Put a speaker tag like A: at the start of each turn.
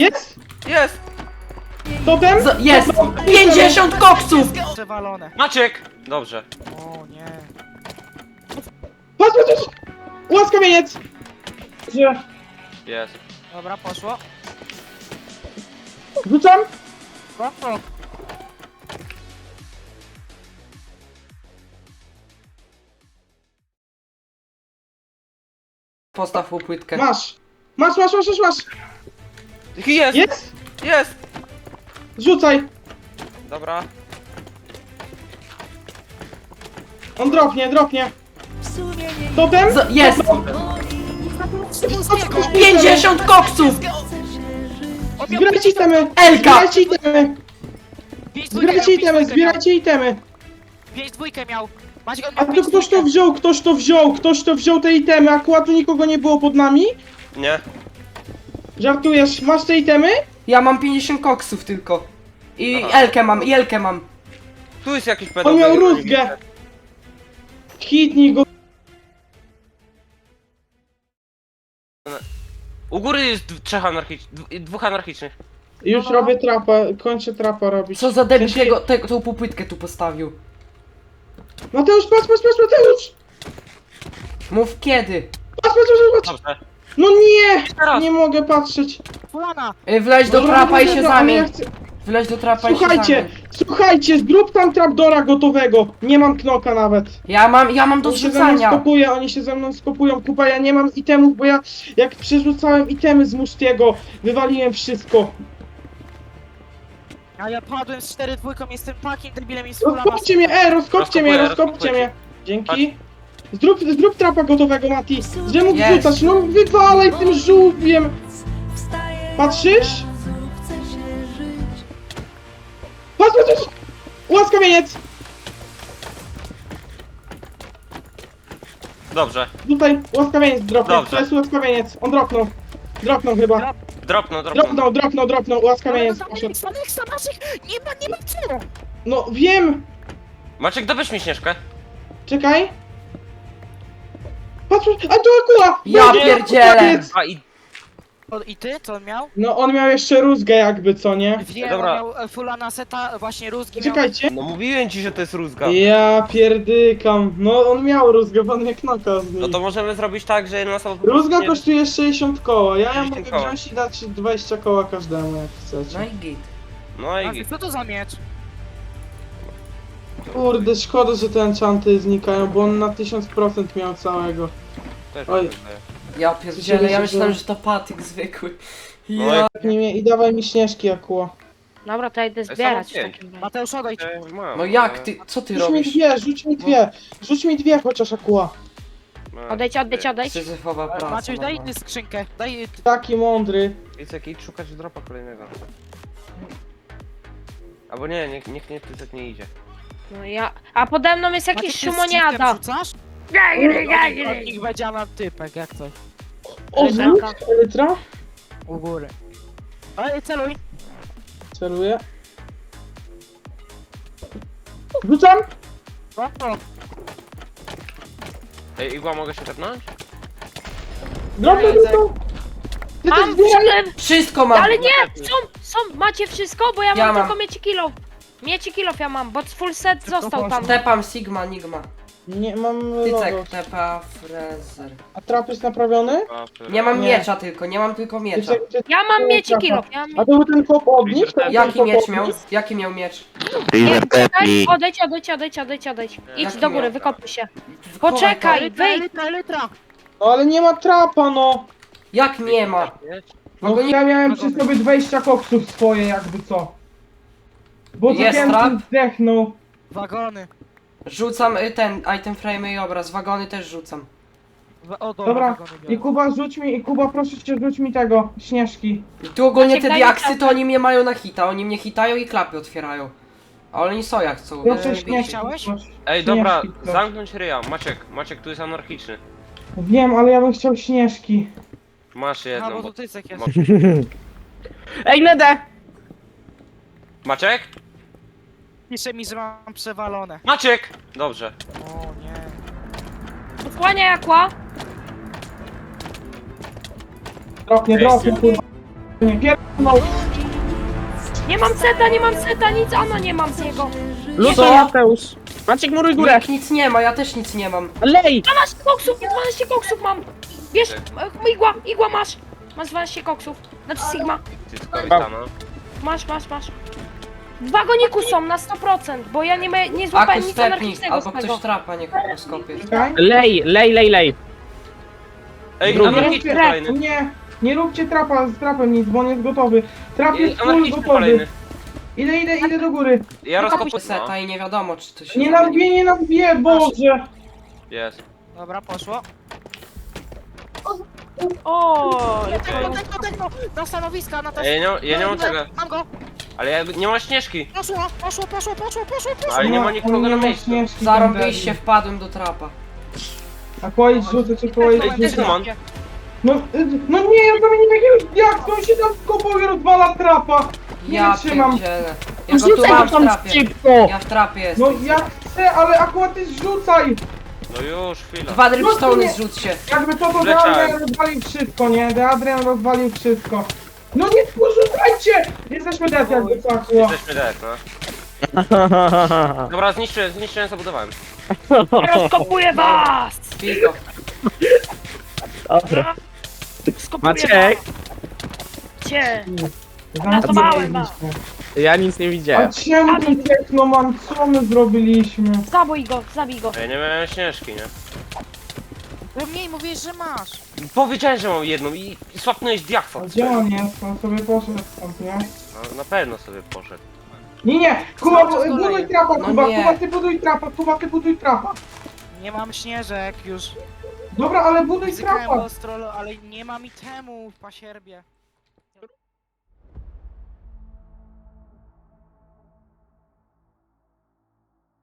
A: Jest!
B: Jest!
A: Totem?
C: Jest! 50 koksów!
D: Przewalone.
B: Maciek! Dobrze.
D: O nie.
A: Patrz, patrz, patrz! Łaskawieniec! Gdzie?
B: Jest.
D: Dobra, poszło.
A: Rzucam?
D: Poszło.
C: Postaw mu płytkę.
A: Masz! Masz!
B: Jest!
A: Jest!
B: Jest!
A: Rzucaj!
B: Dobra.
A: On dropnie. Totem?
C: Jest! 50 koksów!
A: Zbierajcie itemy!
C: Elka!
A: Zbierajcie itemy! Zbierajcie itemy!
D: 5-2 miał. Macie go
A: A to ktoś to wziął te itemy, akurat tu nikogo nie było pod nami?
B: Nie.
A: Żartujesz, masz te itemy?
C: Ja mam 50 koksów tylko. I
B: Aha.
C: Elkę mam.
B: Tu jest jakiś pedał.
A: On miał rózgę! Hitnij go!
B: U góry jest dwóch anarchicznych.
A: Już robię trapa, kończę trapa robić.
C: Co za debil
A: W sensie-
C: tą półpłytkę tu postawił.
A: Mateusz, patrz, Mateusz!
C: Mów kiedy.
A: Patrz!
B: Dobrze.
A: No nie!
B: Teraz.
A: Nie mogę patrzeć.
D: Fulana.
C: Wleź do
A: Dobra,
C: trapa i
A: dobra,
C: się
A: dobra, ale ja
C: zamień.
A: chcę-
C: Wleź do trapa i się
A: Słuchajcie,
C: zamień.
A: zrób tam trapdora gotowego. Nie mam knoka nawet.
C: Ja mam do
A: Oni się ze mną
C: zrzucania.
A: oni się ze mną skopują, kupa, ja nie mam itemów, bo ja jak przerzucałem itemy z Mustiego, wywaliłem wszystko.
D: A ja padłem z 4-2, jestem takim debilem i z Fulana.
A: Rozkopcie mnie, rozkopcie mnie.
B: Rozkopujcie.
A: Dzięki. Zrób trapa gotowego, Mati. Że mógł
C: Jest.
A: rzucać, no wywalaj tym żółwiem. Patrzysz? Patrz! Łaskawieniec!
B: Dobrze.
A: Tutaj łaskawieniec dropnął,
B: Dobrze.
A: to jest łaskawieniec, on dropnął. Dropnął chyba.
B: Dropnął.
A: Dropnął, łaskawieniec poszedł.
D: Staneksa naszych! Nie ma co!
A: No wiem!
B: Maciek, dobierz mi Śnieżkę.
A: Czekaj. Patrz, a tu akuła!
C: Ja
A: Będzie
C: pierdzielę.
A: łaskawiec.
B: A i
D: I ty? Co on miał?
A: No on miał jeszcze rózgę jakby, co nie?
D: Wiem,
B: Dobra.
D: on miał Fulana seta, właśnie rózgi miał.
A: Czekajcie.
B: no mówiłem ci, że to jest rózga.
A: Ja pierdykam. No on miał rózgę, bo on jak knoka z
B: No
A: niej.
B: to możemy zrobić tak, że jedna osoba...
A: Rózga
B: nie-
A: kosztuje 60 koła, ja
B: 60
A: mogę
B: koła.
A: wziąć i dać 20 koła każdemu jak chcecie.
C: No i git.
B: No
D: A
B: i...
D: co to za miecz?
A: Kurde, szkoda, że te enchanty znikają, bo on na 1000% miał całego.
B: Też
A: Oj.
B: mi się wydaje.
C: Ja pierdzielę, ja myślałem, że to patyk zwykły.
B: No
C: Ja...
A: I dawaj mi śnieżki, Akuła.
E: Dobra, to ja idę
B: Ej,
E: zbierać w
B: samo pięć.
E: takim razie.
D: Mateusz, odejdź.
B: Mam,
C: No jak
B: ale-
C: ty, co ty
A: Rzuć mi
C: robisz?
A: dwie, rzuć mi dwie chociaż, Akuła.
B: mam.
E: Odejdź.
C: Syzyfowa praca.
D: Maciuś, daj
C: no.
D: ty skrzynkę. Daj...
A: Taki mądry.
B: Tycek, idź szukać dropa kolejnego. Albo nie, niech Tycek nie idzie.
E: No ja... A pode mną jest jakiś
D: Maciek, ty z
E: szumoniada.
D: shiftem rzucasz? Od nich będzie na typek, jak coś.
A: O,
E: Elytra.
A: Elytra.
D: U góry. Ej, celuj.
A: Celuję. Rzucam!
D: O,
B: Ej, Igła, mogę się tepnąć?
A: Drobny
D: Nie,
A: rzucam! Ty też
E: Mam
A: zbieraj!
E: wszystko,
C: Wszystko mam!
E: ale nie! Macie wszystko, bo ja
C: Ja
E: mam
C: mam.
E: tylko mieci kilof. Mieci kilof ja mam, bo full set został tam.
C: Tepam Sigma, Nigma.
A: Nie, mam
C: Tycek,
A: logo.
C: tepa, frezer.
A: A trap jest naprawiony?
C: Nie mam
A: Nie.
C: miecza tylko, nie mam tylko miecza.
E: Ja mam mieci kilof, ja mam
A: A to był ten kop od nich? To był
C: Jaki
A: ten
C: miecz
A: kop
C: miał?
A: od nich?
C: Jaki miał miecz?
E: Nie, czekaj, odejdź. Idź
C: Jaki
E: do góry,
C: miał?
E: wykopuj się. Poczekaj, wyjdź.
D: Elytra.
A: No ale nie ma trapa, no!
C: Jak nie ma?
A: No
C: go nie-
A: ja miałem przy sobie 20 koksów swoje, jakby co. Bo
C: Jest
A: zapięty
C: trap?
A: zdechnął.
D: Wagony.
C: Rzucam ten item frame i obraz, wagony też rzucam.
A: Dobra,
D: wagony
A: i Kuba Kuba proszę cię rzuć mi tego, śnieżki.
C: I tu ogólnie
E: Maciek,
C: te
E: daj mi
C: diaksy to
E: czapkę.
C: oni mnie mają na hita, oni mnie hitają i klapy otwierają. A oni są jak chcą.
A: Proszę
C: nie
A: śnieżki.
C: bijcie.
D: chciałeś?
A: proszę.
B: Ej, dobra,
A: Śnieżki, proszę.
B: zamknąć ryja. Maciek tu jest anarchiczny.
A: Wiem, ale ja bym chciał śnieżki.
B: Masz
D: A,
B: jedną.
D: bo tu Tycek jest.
A: Ej, Nedę!
B: Maciek?
D: Pisze mi, że mam przewalone.
B: Maciek! Dobrze.
D: O nie.
E: Odsłania jakła.
A: Dropnie, kurwa. Nie pierdolą.
E: Nie mam seta, nic, ano nie mam z niego.
D: Luto, Mateusz. Maciek, muruj górę.
C: Nikt nic nie ma, ja też nic nie mam.
D: Lej!
E: 12 koksów, 12 koksów mam. Bierz, igła masz. Masz 12 koksów. Znaczy Sigma.
B: Cyckowi stana.
E: Masz. W wagoniku są na 100%, bo ja nie złapałem
C: Akus
E: nic
C: stepnij,
E: anarchicznego
C: albo
E: z tego.
C: ktoś trapa, niech po skopie.
A: Czekaj.
D: Lej.
B: Ej,
D: Drugi.
B: anarchiczny kolejny.
A: Nie róbcie trapa z trapem nic, bo on jest gotowy. Trap
B: Ej,
A: jest full
B: anarchiczny
A: gotowy.
B: kolejny.
A: Idę do góry.
B: Ja rozkopuję.
C: Seta i nie wiadomo, czy to się
A: Nie
C: zamieni.
A: nabiję, Boże.
B: Jest.
D: Dobra, poszło.
E: O,
D: Techno, na stanowiska, na
B: Ej, ja nie mam tego.
D: Mam go.
B: Ale ja nie ma śnieżki.
D: Poszło.
B: Ale nie ma nikogo na miejscu.
A: śnieżki
C: Zarąbiście,
A: tam
C: wpadłem do trapa.
A: A kłaść rzucę, czy kłaść
B: Ej,
A: rzucę.
B: Tygman.
A: No nie, ja zamienię jakiegoś jak on się tam w kopowie rozwala trapa. Nie
C: Ja
A: wytrzymam.
C: pierdzielę. Ja go tu mam w trapie. Ja w trapie jestem.
A: No ja chcę, ale akurat ty zrzucaj.
B: No już, chwila.
C: Dwa
A: No
C: dripstone
A: nie.
C: zrzućcie.
A: Jakby to
B: Wleciałem.
A: Deadrian rozwalił wszystko, nie? Deadrian rozwalił wszystko. No nie porzucajcie! Jesteśmy dead jakby fakło.
B: Jesteśmy dead, no. Dobra, zniszczyłem, zabudowałem.
E: rozkopuję was!
C: Pizdo.
D: Dobra.
E: Skopuję
D: Maciek.
E: cię.
A: Zamontowałem
E: was.
D: Ja nic nie
A: A
D: widziałem.
A: czemu ten technoman? Co my zrobiliśmy?
E: Zabój go, zabij go.
B: Ja nie miałem śnieżki, nie?
D: Bo mniej mówisz, że masz.
B: Powiedziałem, że mam jedną i swapnąłeś diakwa.
A: A gdzie on jest? On sobie poszedł stąd, nie?
B: No, na pewno sobie poszedł.
A: Nie! Kuba,
C: Cały czas
A: buduj
C: kolejny.
A: trapa,
C: No
A: Kuba,
C: nie.
A: Kuba, ty buduj trapa, Kuba, ty buduj trapa.
D: Nie mam śnieżek już.
A: Dobra, ale buduj
D: Zykałem
A: trapa.
D: ostro, ale nie mam itemu w pasierbie.